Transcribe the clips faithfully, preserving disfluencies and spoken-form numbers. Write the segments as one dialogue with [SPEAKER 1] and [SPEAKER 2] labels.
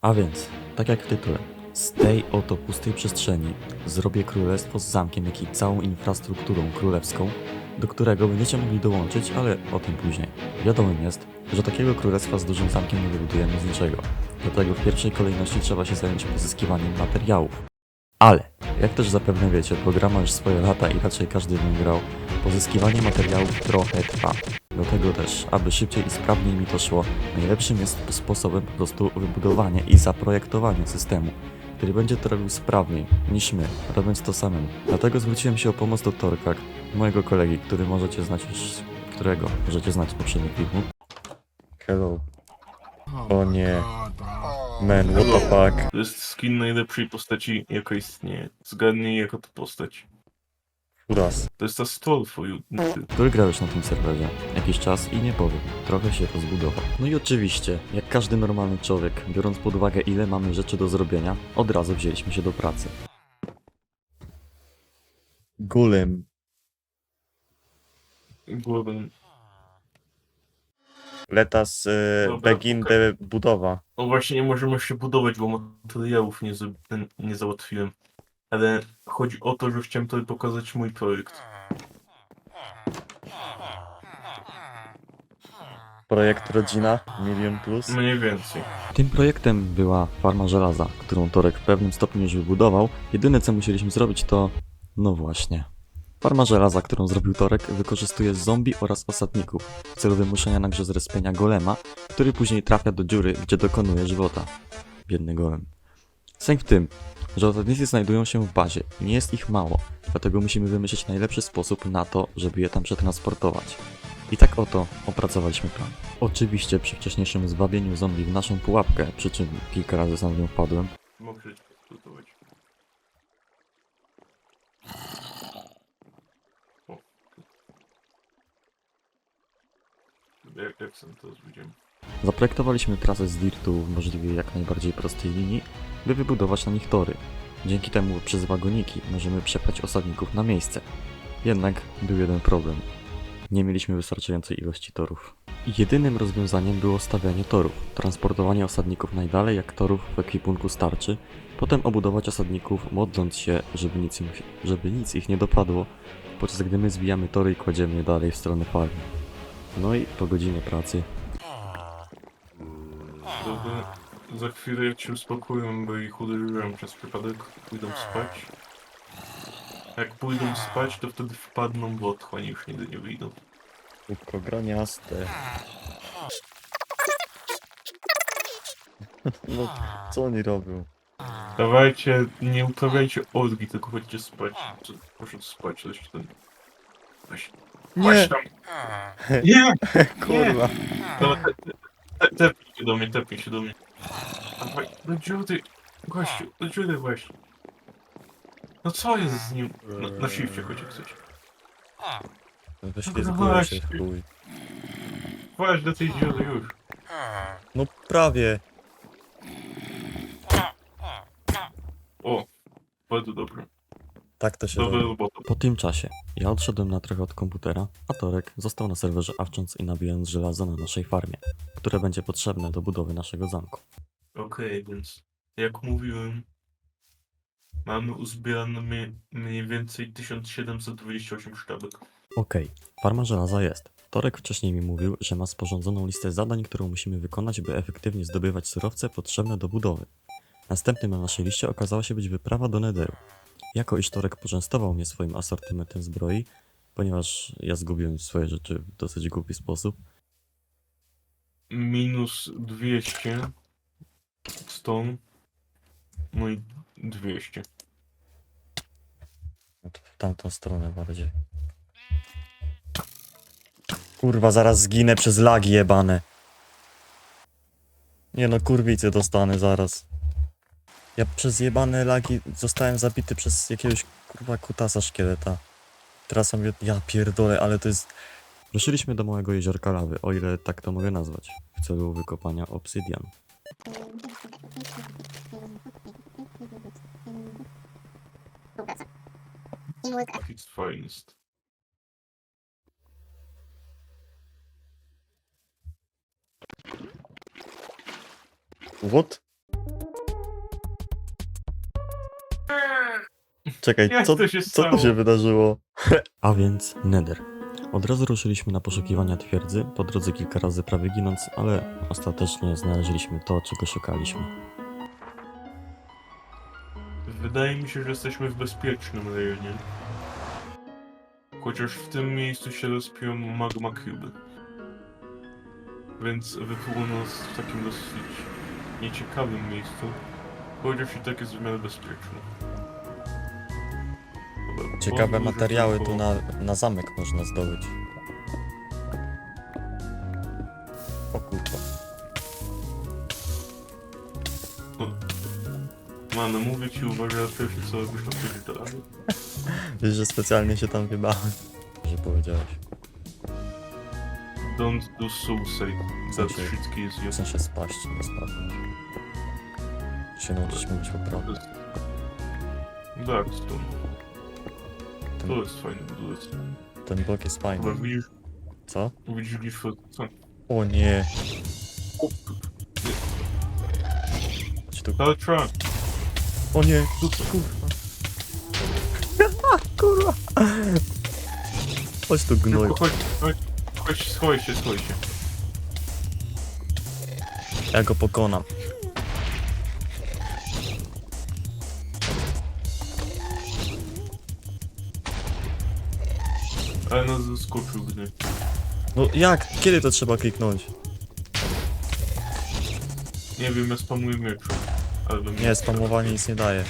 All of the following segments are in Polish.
[SPEAKER 1] A więc, tak jak w tytule, z tej oto pustej przestrzeni zrobię królestwo z zamkiem, jak i całą infrastrukturą królewską, do którego będziecie mogli dołączyć, ale o tym później. Wiadomym jest, że takiego królestwa z dużym zamkiem nie wybudujemy z niczego. Dlatego w pierwszej kolejności trzeba się zająć pozyskiwaniem materiałów. Ale, jak też zapewne wiecie, bo gra ma już swoje lata i raczej każdy w nim grał, pozyskiwanie materiałów trochę trwa. Dlatego też, aby szybciej i sprawniej mi to szło, najlepszym jest sposobem po prostu wybudowanie i zaprojektowanie systemu, który będzie to robił sprawniej niż my, robiąc to samemu. Dlatego zwróciłem się o pomoc do Torka, mojego kolegi, który możecie znać już, którego możecie znać z poprzednich filmów. Hello. O nie. Man, what the fuck?
[SPEAKER 2] To jest skin najlepszej postaci, jaka istnieje. Zgadnij, jaka to postać.
[SPEAKER 1] Uraz.
[SPEAKER 2] To jest ta Stolfu.
[SPEAKER 1] Który grał już na tym serwerze jakiś czas i nie powiem, trochę się rozbudował. No i oczywiście, jak każdy normalny człowiek, biorąc pod uwagę ile mamy rzeczy do zrobienia, od razu wzięliśmy się do pracy. Golem.
[SPEAKER 2] Głowę.
[SPEAKER 1] Let us uh,
[SPEAKER 2] Dobra,
[SPEAKER 1] begin
[SPEAKER 2] okej.
[SPEAKER 1] the budowa.
[SPEAKER 2] No właśnie, nie możemy jeszcze budować, bo materiałów nie, za- nie załatwiłem. Ale chodzi o to, że chciałem tobie pokazać mój projekt.
[SPEAKER 1] Projekt Rodzina, milion plus.
[SPEAKER 2] Mniej więcej.
[SPEAKER 1] Tym projektem była farma żelaza, którą Torek w pewnym stopniu już wybudował. Jedyne co musieliśmy zrobić to... no właśnie. Farma żelaza, którą zrobił Torek, wykorzystuje zombie oraz osadników w celu wymuszenia na grze zrespienia golema, który później trafia do dziury, gdzie dokonuje żywota. Biedny golem. Sęk w tym, że osadnicy znajdują się w bazie i nie jest ich mało, dlatego musimy wymyślić najlepszy sposób na to, żeby je tam przetransportować. I tak oto opracowaliśmy plan. Oczywiście przy wcześniejszym zwabieniu zombie w naszą pułapkę, przy czym kilka razy sam w nią wpadłem,
[SPEAKER 2] Mogę budować. O. Jak, jak sam to widziałem.
[SPEAKER 1] zaprojektowaliśmy trasę z dirtu w możliwie jak najbardziej prostej linii, by wybudować na nich tory. Dzięki temu przez wagoniki możemy przepchać osadników na miejsce. Jednak był jeden problem. Nie mieliśmy wystarczającej ilości torów. Jedynym rozwiązaniem było stawianie torów, transportowanie osadników najdalej jak torów w ekwipunku starczy, potem obudować osadników modląc się, żeby nic, im, żeby nic ich nie dopadło, podczas gdy my zwijamy tory i kładziemy je dalej w stronę farmy. No i po godzinie pracy
[SPEAKER 2] Dobra, za chwilę jak się uspokoją, bo ich uderzyłem przez przypadek, pójdą spać. Jak pójdą spać, to wtedy wpadną w otchłań i już nigdy nie wyjdą.
[SPEAKER 1] Kubko graniaste. No, co oni robią?
[SPEAKER 2] Dawajcie, nie uprawiajcie orgi, tylko chodźcie spać. Co- Proszę spać, coś tam. Weź, weź tam. Nie!
[SPEAKER 1] Kurwa.
[SPEAKER 2] Dobra, te, te, te, tepnij się do mnie, tepnij się do mnie. Dawaj, do dziury. Gościu, do dziury weź. No co jest z nim? Na, na shifcie chodź jak chcesz.
[SPEAKER 1] Wyślizguję się w chuj.
[SPEAKER 2] Weź do tej dziury już.
[SPEAKER 1] No prawie.
[SPEAKER 2] O, bardzo dobre.
[SPEAKER 1] Tak to się
[SPEAKER 2] Dobra
[SPEAKER 1] robi.
[SPEAKER 2] robota.
[SPEAKER 1] Po tym czasie ja odszedłem na trochę od komputera, a Torek został na serwerze awcząc i nabijając żelazo na naszej farmie, które będzie potrzebne do budowy naszego zamku.
[SPEAKER 2] Okej, więc jak mówiłem, mamy uzbierane mie- mniej więcej tysiąc siedemset dwadzieścia osiem sztabek.
[SPEAKER 1] Okej, farma żelaza jest. Torek wcześniej mi mówił, że ma sporządzoną listę zadań, którą musimy wykonać, by efektywnie zdobywać surowce potrzebne do budowy. Następnym na naszej liście okazała się być wyprawa do Netheru. Jako iż Torek poczęstował mnie swoim asortymentem zbroi, ponieważ ja zgubiłem swoje rzeczy w dosyć głupi sposób,
[SPEAKER 2] Minus dwieście stone, no i dwieście.
[SPEAKER 1] no to w tamtą stronę bardziej. Kurwa, zaraz zginę przez lagi jebane. Nie no, kurwicy dostanę zaraz. Ja przez jebane lagi zostałem zabity przez jakiegoś kurwa kutasa szkieleta. Teraz sobie... ja pierdolę, ale to jest... Ruszyliśmy do małego jeziorka lawy, o ile tak to mogę nazwać, w celu wykopania obsydian.
[SPEAKER 2] It's finest.
[SPEAKER 1] What? Czekaj,
[SPEAKER 2] Jak
[SPEAKER 1] co,
[SPEAKER 2] to się
[SPEAKER 1] co tu
[SPEAKER 2] stało?
[SPEAKER 1] się wydarzyło? A więc Nether. Od razu ruszyliśmy na poszukiwania twierdzy, po drodze kilka razy prawie ginąc, ale ostatecznie znaleźliśmy to, czego szukaliśmy.
[SPEAKER 2] Wydaje mi się, że jesteśmy w bezpiecznym rejonie. Chociaż w tym miejscu się rozpiją magma cuby. Więc wypłyło nas w takim dosyć nieciekawym miejscu. Chociaż i tak jest w miarę bezpieczny. Dobra,
[SPEAKER 1] Ciekawe
[SPEAKER 2] pozwól, że
[SPEAKER 1] materiały
[SPEAKER 2] tylko-
[SPEAKER 1] tu na, na zamek można zdobyć. O kurwa.
[SPEAKER 2] Mano, mówię ci, uważaj na pierwsze co robisz na wchodzić do rady.
[SPEAKER 1] Wiesz, że specjalnie się tam wybałem. Że powiedziałeś.
[SPEAKER 2] Don't do suicide.
[SPEAKER 1] W
[SPEAKER 2] That
[SPEAKER 1] sensie-
[SPEAKER 2] shit kills you.
[SPEAKER 1] W sensie spaść, nie spadnąć. Się nauczyć mówić poprawnie.
[SPEAKER 2] Tak, stąd.
[SPEAKER 1] Ten,
[SPEAKER 2] To jest fajny budulec.
[SPEAKER 1] ten blok jest
[SPEAKER 2] Chyba
[SPEAKER 1] fajny.
[SPEAKER 2] widzisz,
[SPEAKER 1] Co?
[SPEAKER 2] widzisz glifę, co?
[SPEAKER 1] O nie. Chodź tu.
[SPEAKER 2] Ale trzeba.
[SPEAKER 1] O nie. Kurwa. Kurwa. Chodź tu gnoj.
[SPEAKER 2] Szybko, chodź, chodź, chodź, schowaj się, schowaj się.
[SPEAKER 1] Ja go pokonam.
[SPEAKER 2] Ale nas zaskoczył gdy.
[SPEAKER 1] No jak? Kiedy to trzeba kliknąć?
[SPEAKER 2] Nie wiem, ja spamuję mieczu. Ale bym
[SPEAKER 1] Nie, spamowanie nic nie daje.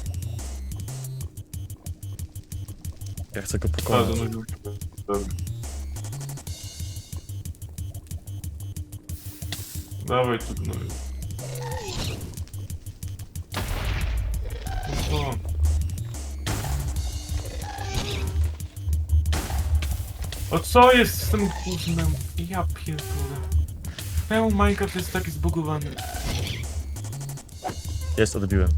[SPEAKER 1] Ja chcę go
[SPEAKER 2] A,
[SPEAKER 1] pokonać.
[SPEAKER 2] zanurzył się. Dobra. Dawaj tu gnoju. No co? O co jest z tym gównem? Ja pierdolę. Czemu Minecraft jest taki zbugowany?
[SPEAKER 1] Jest, odbiłem.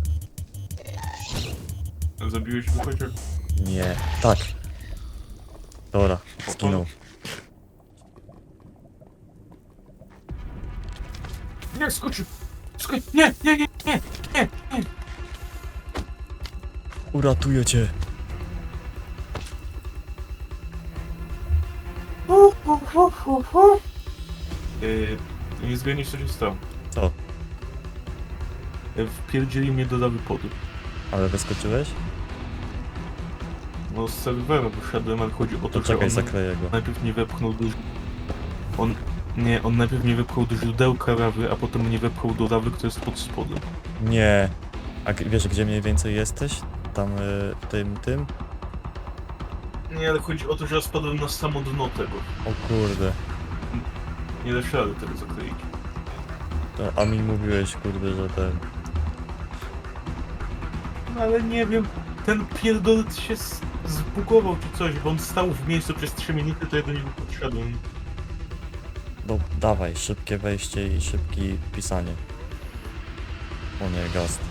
[SPEAKER 2] Zabiłeś go chociaż?
[SPEAKER 1] Nie. Tak. Dobra, zginął.
[SPEAKER 2] Nie, skoczył! Skoczył! Nie, nie, nie, nie, nie, nie!
[SPEAKER 1] Uratuję cię.
[SPEAKER 2] Hu, hu, hu, hu, hu. Yy, nie zgadniesz co się stało.
[SPEAKER 1] Co?
[SPEAKER 2] Yy, Wpierdzieli mnie do lawy pody.
[SPEAKER 1] Ale wyskoczyłeś?
[SPEAKER 2] No z serwera wyszedłem, ale chodzi o to,
[SPEAKER 1] To
[SPEAKER 2] że
[SPEAKER 1] czekaj,
[SPEAKER 2] on
[SPEAKER 1] zakleję go.
[SPEAKER 2] najpierw nie wepchnął do... On... Nie, on najpierw nie wepchnął do źródełka lawy, a potem mnie wepchnął do lawy, która jest pod spodem.
[SPEAKER 1] Nie. A g- wiesz, gdzie mniej więcej jesteś? Tam, y, w tym, tym?
[SPEAKER 2] Nie, ale chodzi o to, że ja spadłem na samo dno tego.
[SPEAKER 1] O kurde.
[SPEAKER 2] Nie da się rady tego zakleić.
[SPEAKER 1] To, a mi mówiłeś, kurde, że ten...
[SPEAKER 2] No ale nie wiem, ten pierdolec się z- zbugował czy coś, bo on stał w miejscu przez trzy minuty, to ja do niego podszedłem.
[SPEAKER 1] No, dawaj, szybkie wejście i szybkie pisanie. O nie, gast.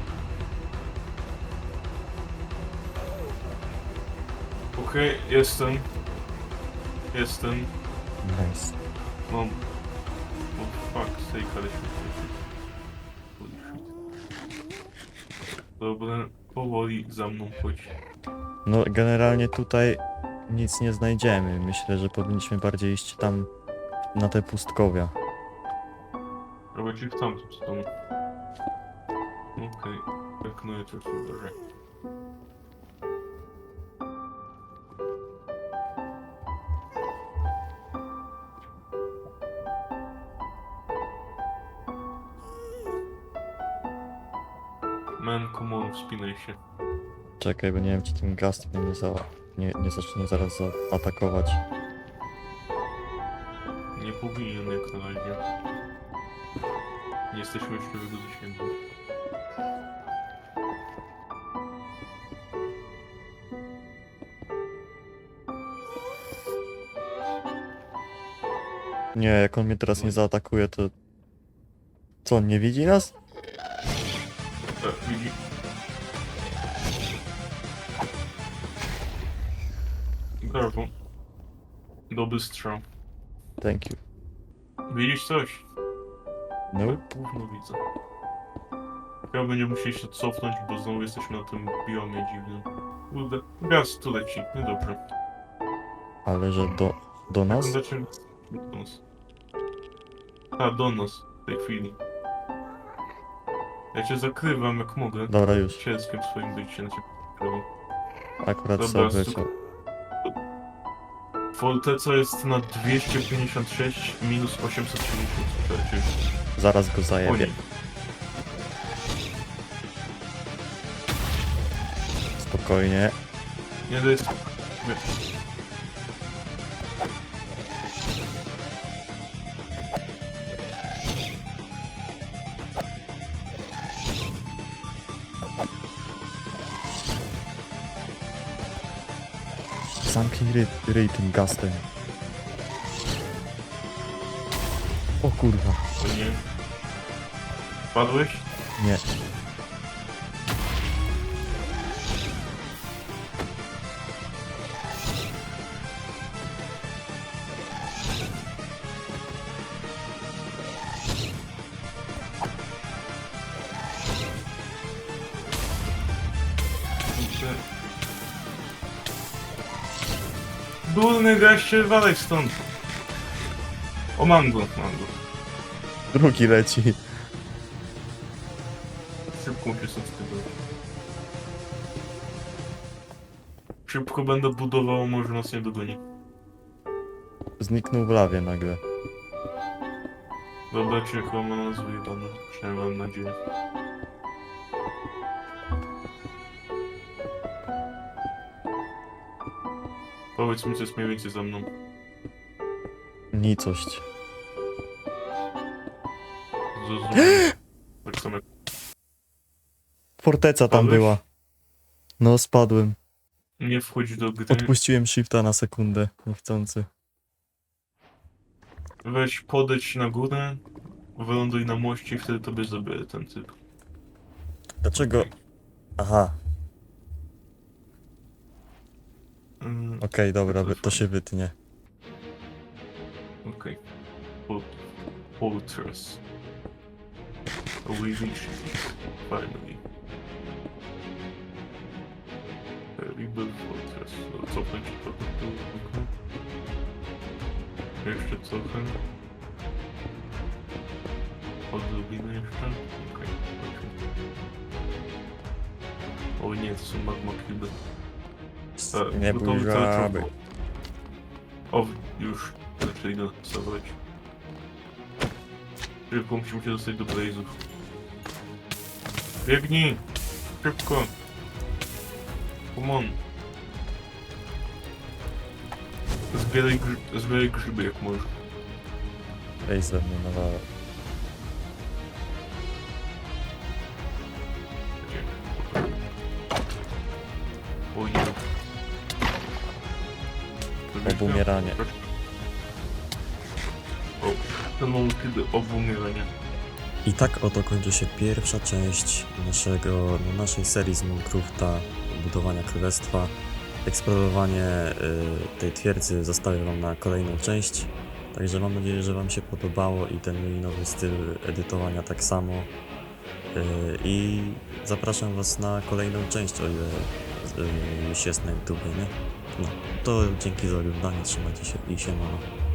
[SPEAKER 2] Okej, jestem. Jestem.
[SPEAKER 1] Nice.
[SPEAKER 2] Mam... Oh fuck sake, ale się... Holy shit. Dobra, powoli za mną chodź.
[SPEAKER 1] No, generalnie tutaj nic nie znajdziemy. Myślę, że powinniśmy bardziej iść tam na te pustkowia.
[SPEAKER 2] Robię ci w tamtą stronę. Okej, tak no i to się wydarzy. Man, come on, wspinaj się.
[SPEAKER 1] Czekaj, bo nie wiem, czy ten gast mnie nie, za... nie, nie zacznie zaraz atakować.
[SPEAKER 2] Nie powinien jak na razie. Nie jesteśmy jeszcze w jego zasięgu.
[SPEAKER 1] Nie, jak on mnie teraz nie zaatakuje, to... Co, on nie widzi nas?
[SPEAKER 2] E, widzi... Brawo. Dobry strzał.
[SPEAKER 1] Thank you.
[SPEAKER 2] Widzisz coś?
[SPEAKER 1] No.
[SPEAKER 2] Gówno widzę. Chyba będziemy musieli się cofnąć, bo znowu jesteśmy na tym biomie dziwnym. Kurde, gaz tu leci, niedobrze.
[SPEAKER 1] Ale że do, do nas?
[SPEAKER 2] Znaczy, do nas. A, do nas, w tej chwili. Ja cię zakrywam jak mogę.
[SPEAKER 1] Dobra, już.
[SPEAKER 2] Cielskiem swoim bycie na ciebie zakrywam.
[SPEAKER 1] Akurat
[SPEAKER 2] Dobra,
[SPEAKER 1] sobie
[SPEAKER 2] stu-
[SPEAKER 1] wyleciał.
[SPEAKER 2] Forteca jest na dwieście pięćdziesiąt sześć minus osiemset siedemdziesiąt.
[SPEAKER 1] Zaraz go
[SPEAKER 2] O nie.
[SPEAKER 1] zajebie. Spokojnie.
[SPEAKER 2] Nie, to jest...
[SPEAKER 1] Zamknij ry, ryj tym gastem. O kurwa.
[SPEAKER 2] O nie. Padłeś?
[SPEAKER 1] Nie.
[SPEAKER 2] Durny gaście, walej stąd. O, mam go, mam go.
[SPEAKER 1] Drugi leci.
[SPEAKER 2] Szybko się stąd skrywać. Szybko będę budował, może nas nie dogoni.
[SPEAKER 1] Zniknął w lawie nagle.
[SPEAKER 2] Dobra, cię chyba ma nas wyjebane. Przynajmniej mam nadzieję. Powiedz mi, co jest mniej więcej za mną.
[SPEAKER 1] Nicość.
[SPEAKER 2] Zrozumiałem. Tak samo jak...
[SPEAKER 1] Forteca tam
[SPEAKER 2] Spadłeś?
[SPEAKER 1] była. No, spadłem.
[SPEAKER 2] Nie wchodź do gry.
[SPEAKER 1] Odpuściłem shifta na sekundę. Niechcący.
[SPEAKER 2] Weź, podejdź na górę, wyląduj na moście i wtedy tobie zabierę ten typ.
[SPEAKER 1] Dlaczego? Aha.
[SPEAKER 2] Mm,
[SPEAKER 1] Okej, dobra, wy- to się wytnie.
[SPEAKER 2] Okej. Okay. Fortress. We reached it, finally. Rebuild Fortress. No, cofnę ci trochę w dół. okej. Jeszcze trochę. Odrobinę jeszcze. Okej, okay. O nie, to są magma cube. E,
[SPEAKER 1] Nie
[SPEAKER 2] gotowy
[SPEAKER 1] bój
[SPEAKER 2] cały
[SPEAKER 1] żaby.
[SPEAKER 2] czas. O, już. Znaczy idę zabrać. Szybko musimy się dostać do Blaze'ów. Biegnij! Szybko! Come on! Zbieraj, grzy zbieraj grzyby jak możesz.
[SPEAKER 1] Ej, ze mnie nawala.
[SPEAKER 2] O nie.
[SPEAKER 1] Obumieranie.
[SPEAKER 2] O, ten moment, kiedy obumieranie.
[SPEAKER 1] I tak oto kończy się pierwsza część naszego, no, naszej serii z Minecrafta, budowania królestwa. Eksplorowanie y, tej twierdzy zostawię wam na kolejną część. Także mam nadzieję, że wam się podobało i ten mój nowy styl edytowania tak samo. Y, I zapraszam was na kolejną część, o ile y, już jest na YouTubie, nie? No, to dzięki za oglądanie, trzymajcie się i siemano.